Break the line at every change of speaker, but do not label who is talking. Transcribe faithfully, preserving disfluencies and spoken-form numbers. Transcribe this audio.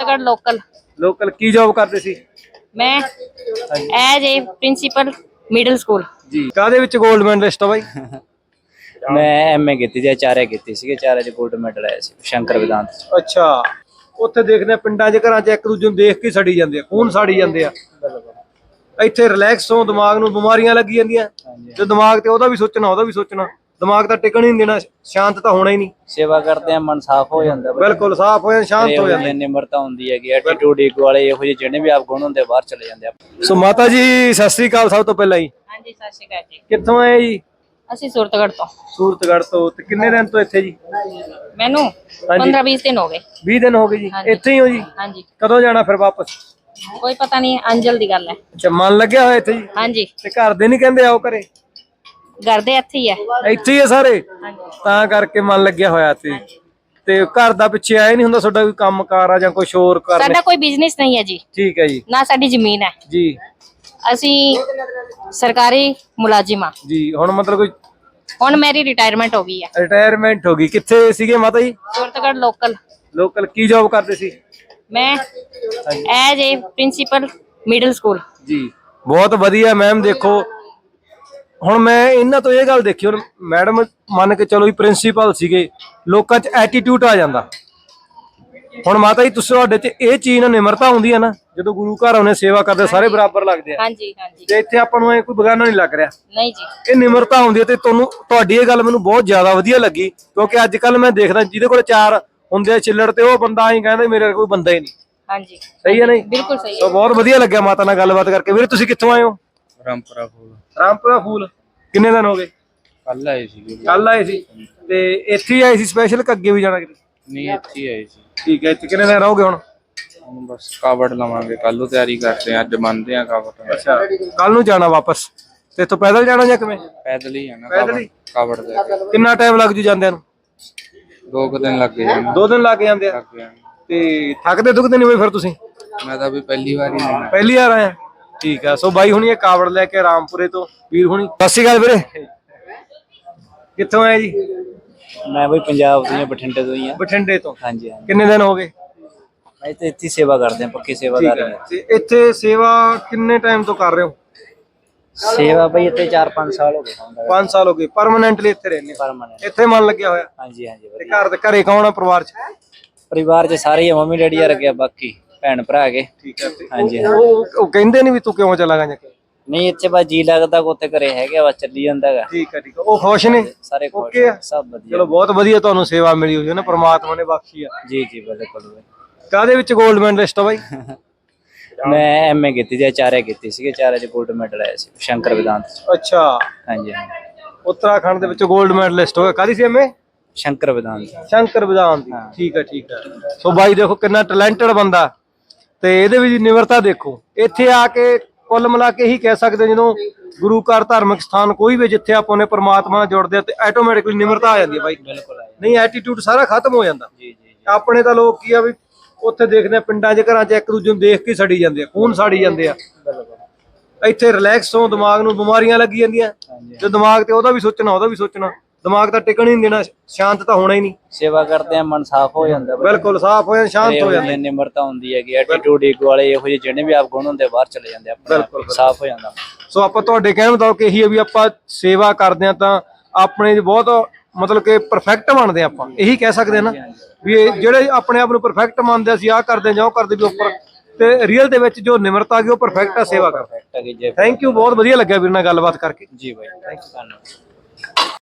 Suratgarh local
local की job करते सी?
मैं as a principal middle school
जी कादे विच गोल्ड मेडलिस्ट हो भाई?
मैं एम ए की थी आचार्य की सी आचार्य च गोल्ड मैडल आया सी शंकर वेदांत।
अच्छा ਉੱਥੇ ਦੇਖਦੇ ਆ ਪਿੰਡਾਂ 'ਚ ਘਰਾਂ 'ਚ ਇੱਕ ਦੂਜੇ ਨੂੰ ਦੇਖ ਕੇ ਸੜੀ ਜਾਂਦੇ ਆ, ਖੂਨ ਸਾੜੀ ਜਾਂਦੇ ਆ। ਇੱਥੇ ਰਿਲੈਕਸ ਹੋ, ਦਿਮਾਗ ਨੂੰ ਬਿਮਾਰੀਆਂ ਲੱਗੀ ਜਾਂਦੀਆਂ ਤੇ ਦਿਮਾਗ ਤੇ ਉਹਦਾ ਵੀ ਸੋਚਣਾ ਉਹਦਾ ਵੀ ਸੋਚਣਾ, ਦਿਮਾਗ ਤਾਂ ਟਿਕਣ ਹੀ ਨਹੀਂ ਦੇਣਾ, ਸ਼ਾਂਤ ਤਾਂ ਹੋਣਾ ਹੀ ਨਹੀਂ।
ਸੇਵਾ ਕਰਦੇ ਆ ਮਨ ਸਾਫ਼ ਹੋ ਜਾਂਦਾ,
ਬਿਲਕੁਲ ਸਾਫ਼ ਹੋ ਜਾਂਦਾ, ਸ਼ਾਂਤ ਹੋ ਜਾਂਦਾ।
ਨਿਮਰਤਾ ਹੁੰਦੀ ਹੈਗੀ, ਐਟੀਟਿਊਡ ਈਗੋ ਵਾਲੇ ਇਹੋ ਜਿਹੇ ਜਿਹੜੇ ਵੀ ਆਪ ਗੁਣ ਹੁੰਦੇ ਬਾਹਰ ਚਲੇ ਜਾਂਦੇ ਆ।
ਸੋ ਮਾਤਾ ਜੀ ਸਤਿ ਸ੍ਰੀ ਅਕਾਲ ਸਭ ਤੋਂ ਪਹਿਲਾਂ ਜੀ।
ਹਾਂਜੀ ਸਤਿ ਸ਼੍ਰੀ ਅਕਾਲ ਜੀ।
ਕਿੱਥੋਂ ਆਏ ਜੀ?
ਅਸੀਂ सूरतगढ़ ਤੋਂ।
ਸੂਰਤਗੜ੍ਹ ਤੋਂ। ਤੇ ਕਿੰਨੇ ਦਿਨ ਤੋਂ ਇੱਥੇ ਜੀ?
ਮੈਨੂੰ पंद्रह बीस दिन हो गए।
बीस दिन हो गए जी ਇੱਥੇ ਹੀ ਹੋ ਜੀ?
ਹਾਂਜੀ।
ਕਦੋਂ ਜਾਣਾ ਫਿਰ ਵਾਪਸ?
ਕੋਈ ਪਤਾ ਨਹੀਂ, ਅੰਜਲ ਦੀ ਗੱਲ ਹੈ।
ਅੱਛਾ ਮਨ ਲੱਗਿਆ ਹੋਇਆ ਇੱਥੇ ਜੀ?
ਹਾਂਜੀ।
ਤੇ ਘਰ ਦੇ ਨਹੀਂ ਕਹਿੰਦੇ ਆਓ ਘਰੇ?
ਘਰ ਦੇ ਇੱਥੇ ਹੀ ਹੈ।
ਇੱਥੇ ਹੀ ਆ ਸਾਰੇ?
ਹਾਂਜੀ।
ਤਾਂ ਕਰਕੇ ਮਨ ਲੱਗਿਆ ਹੋਇਆ ਤੇ ਤੇ ਘਰ ਦਾ ਪਿੱਛੇ ਆਏ ਨਹੀਂ ਹੁੰਦਾ ਤੁਹਾਡਾ ਕੋਈ ਕੰਮ ਕਾਰ ਆ ਜਾਂ ਕੁਝ ਹੋਰ ਕਰਨਾ?
ਸਾਡਾ ਕੋਈ ਬਿਜ਼ਨਸ ਨਹੀਂ ਹੈ ਜੀ।
ਠੀਕ ਹੈ ਜੀ।
ਨਾ ਸਾਡੀ ਜ਼ਮੀਨ ਹੈ
ਜੀ।
ਅਸੀਂ ਸਰਕਾਰੀ ਮੁਲਾਜ਼ਮ ਆ
ਜੀ ਹੁਣ ਮਤਲਬ ਕੋਈ
ਹੁਣ ਮੇਰੀ ਰਿਟਾਇਰਮੈਂਟ ਹੋ ਗਈ ਹੈ।
ਰਿਟਾਇਰਮੈਂਟ ਹੋ ਗਈ। ਕਿੱਥੇ ਸੀਗੇ ਮਾਤਾ ਜੀ?
सूरतगढ़ लोकल।
ਲੋਕਲ ਕੀ ਜੌਬ ਕਰਦੇ ਸੀ?
ਮੈਂ as a principal middle school.
ਜੀ ਬਹੁਤ ਵਧੀਆ ਮੈਮ। ਦੇਖੋ ਹੁਣ ਮੈਂ ਇਹਨਾਂ ਤੋਂ ਇਹ ਗੱਲ ਦੇਖੀ, ਹੁਣ ਮੈਡਮ ਮੰਨ ਕੇ ਚਲੋ ਵੀ ਪ੍ਰਿੰਸੀਪਲ ਸੀਗੇ, ਲੋਕਾਂ 'ਚ ਐਟੀਟਿਊਡ ਆ ਜਾਂਦਾ। ਹੁਣ ਮਾਤਾ ਜੀ ਤੁਸੀਂ ਤੁਹਾਡੇ 'ਚ ਇਹ ਚੀਜ਼ ਨਾਲ ਨਿਮਰਤਾ ਹੁੰਦੀ ਹੈ ਨਾ, ਜਦੋਂ ਗੁਰੂ ਘਰ ਆਉਣੇ ਸੇਵਾ ਕਰਦੇ ਸਾਰੇ ਬਰਾਬਰ ਲੱਗਦੇ ਆ।
ਹਾਂਜੀ ਹਾਂਜੀ।
ਤੇ ਇੱਥੇ ਆਪਾਂ ਨੂੰ ਐ ਕੋਈ ਬਗਾਨਾ ਨਹੀਂ ਲੱਗ ਰਿਹਾ।
ਨਹੀਂ ਜੀ।
ਇਹ ਨਿਮਰਤਾ ਹੁੰਦੀ ਹੈ ਤੇ ਤੁਹਾਨੂੰ ਤੁਹਾਡੀ ਇਹ ਗੱਲ ਮੈਨੂੰ ਬਹੁਤ ਜ਼ਿਆਦਾ ਵਧੀਆ ਲੱਗੀ, ਕਿਉਂਕਿ ਅੱਜ ਕੱਲ ਮੈਂ ਦੇਖਦਾ ਜਿਹਦੇ ਕੋਲ ਚਾਰ ਹੁੰਦੇ ਆ ਚਿੱਲੜ ਤੇ ਉਹ ਬੰਦਾ ਹੀ ਕਹਿੰਦਾ ਮੇਰੇ ਕੋਈ ਬੰਦਾ ਹੀ ਨਹੀਂ।
ਹਾਂਜੀ
ਸਹੀ ਹੈ ਨਹੀਂ?
ਬਿਲਕੁਲ ਸਹੀ
ਸੋ ਬਹੁਤ ਵਧੀਆ ਲੱਗਿਆ ਮਾਤਾ ਨਾਲ ਗੱਲਬਾਤ ਕਰਕੇ। ਵੀਰੇ ਤੁਸੀਂ ਕਿੱਥੋਂ ਆਏ ਹੋ?
ਰਾਮਪੁਰਾ ਫੂਲ।
ਰਾਮਪੁਰਾ ਫੂਲ। ਕਿੰਨੇ ਦਿਨ ਹੋ ਗਏ?
ਕੱਲ ਆਏ ਸੀ।
ਕੱਲ ਆਏ ਸੀ ਤੇ ਇੱਥੇ ਹੀ ਆਏ ਸੀ ਸਪੈਸ਼ਲ ਕਿ ਅੱਗੇ ਵੀ ਜਾਣਾ ਕਿਤੇ?
ਨਹੀਂ ਇੱਥੇ ਆਏ ਸੀ।
ਠੀਕ ਹੈ। ਇੱਥੇ ਕਿੰਨੇ ਦਿਨ ਰਹੋਗੇ ਹੁਣ?
ਹੁਣ ਬਸ ਕਾਵੜ ਲਵਾਂਗੇ, ਕੱਲ ਨੂੰ ਤਿਆਰੀ ਕਰਦੇ ਆ, ਅੱਜ ਮੰਨਦੇ ਆ ਕਾਵੜ।
ਅੱਛਾ ਕੱਲ ਨੂੰ ਜਾਣਾ ਵਾਪਸ? ਤੇ ਇੱਥੋਂ ਪੈਦਲ ਜਾਣਾ ਜਾਂ ਕਿਵੇਂ?
ਪੈਦਲ ਹੀ ਜਾਣਾ।
ਪੈਦਲ ਹੀ?
ਕਾਵੜ ਦੇ
ਕਿੰਨਾ ਟਾਈਮ ਲੱਗ ਜੂ ਜਾਂਦਿਆਂ ਨੂੰ?
ਦੋ ਕੁ ਦਿਨ ਲੱਗ ਜਾਣੇ।
ਦੋ ਦਿਨ ਲੱਗ ਜਾਂਦੇ ਆ।
ਲੱਗ ਜਾਣੇ।
ਤੇ ਥੱਕਦੇ ਦੁਖਦੇ ਨਹੀਂ ਹੋਏ ਫਿਰ ਤੁਸੀਂ?
ਮੈਂ ਤਾਂ ਵੀ ਪਹਿਲੀ ਵਾਰ ਹੀ ਆਇਆ।
ਪਹਿਲੀ ਵਾਰ ਆਇਆ? ਠੀਕ ਆ। ਸੋ ਬਾਈ ਹੁਣੀ ਇਹ ਕਾਵੜ ਲੈ ਕੇ ਰਾਮਪੁਰੇ ਤੋਂ ਵੀਰ ਹੁਣੀ। ਸਤਿ ਸ਼੍ਰੀ ਅਕਾਲ ਵੀਰੇ। ਕਿੱਥੋਂ ਆਏ ਜੀ?
ਮੈਂ ਵੀ ਪੰਜਾਬ ਤੋਂ ਹੀ, ਬਠਿੰਡੇ ਤੋਂ ਹੀ ਆ।
ਬਠਿੰਡੇ ਤੋਂ।
ਹਾਂਜੀ ਹਾਂਜੀ।
ਕਿੰਨੇ ਦਿਨ ਹੋ ਗਏ?
ਮੈਂ ਤਾਂ ਇੱਥੇ ਸੇਵਾ ਕਰਦੇ ਆ, ਪੱਕੀ ਸੇਵਾਦਾਰ ਹਾਂ।
ਤੇ ਇੱਥੇ ਸੇਵਾ ਕਿੰਨੇ ਟਾਈਮ ਤੋਂ ਕਰ ਰਹੇ ਹੋ?
ਸੇਵਾ ਬਈ ਇੱਥੇ ਚਾਰ ਪੰਜ ਸਾਲ ਹੋ ਗਏ ਹੁੰਦਾ।
ਪੰਜ ਸਾਲ ਹੋ ਗਏ ਪਰਮਾਨੈਂਟਲੀ ਇੱਥੇ ਰਹਿੰਦੇ?
ਪਰਮਾਨੈਂਟ।
ਇੱਥੇ ਮਨ ਲੱਗਿਆ ਹੋਇਆ?
ਹਾਂਜੀ ਹਾਂਜੀ।
ਤੇ ਘਰ ਦੇ ਘਰੇ ਕੌਣ ਆ ਪਰਿਵਾਰ ਚ?
ਪਰਿਵਾਰ ਚ ਸਾਰੇ ਹੀ ਮੰਮੀ ਡੈਡੀ ਆ ਰੱਖਿਆ, ਬਾਕੀ ਭੈਣ ਭਰਾ ਹੈਗੇ।
ਠੀਕ ਹੈ।
ਹਾਂਜੀ
ਉਹ ਉਹ ਕਹਿੰਦੇ ਨਹੀਂ ਵੀ ਤੂੰ ਕਿਉਂ ਚਲਾ ਗਿਆ?
ਨਹੀਂ ਇੱਥੇ ਬਸ ਜੀ ਲੱਗਦਾ, ਉੱਥੇ ਘਰੇ ਹੈਗੇ, ਬਸ ਚੱਲੀ ਜਾਂਦਾ ਹੈਗਾ।
ਠੀਕ ਹੈ ਠੀਕ ਹੈ। ਉਹ ਖੁਸ਼ ਨੇ?
ਸਾਰੇ ਖੁਸ਼
ਓਕੇ ਆ?
ਸਭ ਵਧੀਆ।
ਚਲੋ ਬਹੁਤ ਵਧੀਆ ਤੁਹਾਨੂੰ ਸੇਵਾ ਮਿਲੀ ਹੋਈ ਹੈ ਨਾ, ਪ੍ਰਮਾਤਮਾ ਨੇ ਬਖਸ਼ੀ ਆ।
ਜੀ ਜੀ ਬਿਲਕੁਲ।
ਕਾਹਦੇ ਵਿੱਚ 골ਡ ਮੈਡਲਿਸਟ ਹੋ ਬਾਈ?
ਮੈਂ ਐਮ ਏ ਕੀਤੀ ਸੀ ਆਚਾर्य ਕੀਤੀ ਸੀ ਆਚਾर्य ਚ 골ਡ ਮੈਡਲ ਆਇਆ ਸੀ ਸ਼ੰਕਰ वेदांत ਚ।
ਅੱਛਾ
ਹਾਂਜੀ ਹਾਂਜੀ।
ਉੱਤਰਾਖੰਡ ਦੇ ਵਿੱਚ 골ਡ ਮੈਡਲਿਸਟ ਹੋਇਆ। ਕਾਹਦੀ ਸੀ ਐਮਏ?
ਸ਼ੰਕਰ वेदांत।
ਸ਼ੰਕਰ वेदांत ਦੀ। ਠੀਕ ਹੈ ਠੀਕ ਹੈ। ਸੋ ਬਾਈ ਦੇਖੋ ਕਿੰਨਾ ਟੈਲੈਂਟਡ ਬੰਦਾ, ਤੇ ਇਹਦੇ ਵਿੱਚ ਨਿਮਰਤਾ ਦੇਖੋ। ਇੱਥੇ ਆ ਕੇ ਕੁੱਲ ਮਿਲਾ ਕੇ ਇਹੀ ਕਹਿ ਸਕਦੇ ਜਦੋਂ ਗੁਰੂ ਘਰ ਧਾਰਮਿਕ ਸਥਾਨ ਕੋਈ ਵੀ ਜਿੱਥੇ ਆਪਾਂ ਨੇ ਪਰਮਾਤਮਾ ਨਾਲ ਜੁੜਦੇ ਆ ਤੇ ਆਟੋਮੈਟਿਕਲੀ ਨਿਮਰਤਾ ਆ ਜਾਂਦੀ ਹੈ ਬਾਈ।
ਬਿਲਕੁਲ।
ਨਹੀਂ ਐਟੀਟਿਊਡ ਸਾਰਾ ਖਤਮ ਹੋ ਜਾਂਦਾ।
ਜੀ ਜੀ।
ਆਪਣੇ ਤਾਂ ਲੋਕ ਕੀ ਆ ਵੀ ਉੱਥੇ ਦੇਖਦੇ ਆ ਪਿੰਡਾਂ 'ਚ ਘਰਾਂ 'ਚ ਇੱਕ ਦੂਜੇ ਨੂੰ ਦੇਖ ਕੇ ਸੜੀ ਜਾਂਦੇ ਆ, ਖੂਨ ਸਾੜੀ ਜਾਂਦੇ ਆ। ਇੱਥੇ ਰਿਲੈਕਸ ਹੋ, ਦਿਮਾਗ ਨੂੰ ਬਿਮਾਰੀਆਂ ਲੱਗੀ ਜਾਂਦੀਆਂ ਤੇ ਦਿਮਾਗ ਤੇ ਉਹਦਾ ਵੀ ਸੋਚਣਾ ਉਹਦਾ ਵੀ ਸੋਚਣਾ, ਦਿਮਾਗ ਤਾਂ ਟਿਕਣ ਹੀ ਨਹੀਂ ਦੇਣਾ, ਸ਼ਾਂਤ ਤਾਂ ਹੋਣਾ ਹੀ ਨਹੀਂ।
ਸੇਵਾ ਕਰਦੇ ਆ ਮਨ ਸਾਫ਼ ਹੋ ਜਾਂਦਾ।
ਬਿਲਕੁਲ ਸਾਫ਼ ਹੋ ਜਾਂਦਾ, ਸ਼ਾਂਤ ਹੋ ਜਾਂਦਾ।
ਨਿਮਰਤਾ ਹੁੰਦੀ ਹੈਗੀ, ਐਟੀਟਿਊਡ ਈਗੋ ਵਾਲੇ ਇਹੋ ਜਿਹੇ ਜਿਹੜੇ ਵੀ ਆਪ ਗੁਣ ਹੁੰਦੇ ਬਾਹਰ ਚਲੇ ਜਾਂਦੇ ਆ, ਆਪਣਾ ਸਾਫ਼ ਹੋ ਜਾਂਦਾ।
ਸੋ ਆਪਾਂ ਤੁਹਾਡੇ ਕਹਿਣ ਮੁਤਾਬਕ ਇਹੀ ਹੈ ਵੀ ਆਪਾਂ ਸੇਵਾ ਕਰਦੇ ਆ ਤਾਂ ਆਪਣੇ ਬਹੁਤ ਮਤਲਬ ਕਿ ਪਰਫੈਕਟ ਬਣਦੇ ਆਪਾਂ, ਇਹੀ ਕਹਿ ਸਕਦੇ ਆ ਨਾ ਵੀ ਇਹ ਜਿਹੜੇ ਆਪਣੇ ਆਪ ਨੂੰ ਪਰਫੈਕਟ ਮੰਨਦੇ ਅਸੀਂ ਆਹ ਕਰਦੇ ਜਾਂ ਉਹ ਕਰਦੇ ਵੀ ਉੱਪਰ, ਤੇ ਰੀਅਲ ਦੇ ਵਿੱਚ ਜੋ ਨਿਮਰਤਾ ਆ ਗਈ ਉਹ ਪਰਫੈਕਟ ਆ ਸੇਵਾ ਕਰ। Thank you. ਬਹੁਤ ਵਧੀਆ ਲੱਗਿਆ ਵੀਰ ਨਾਲ ਗੱਲਬਾਤ ਕਰਕੇ।
ਜੀ ਬਾਈ, ਥੈਂਕ ਯੂ।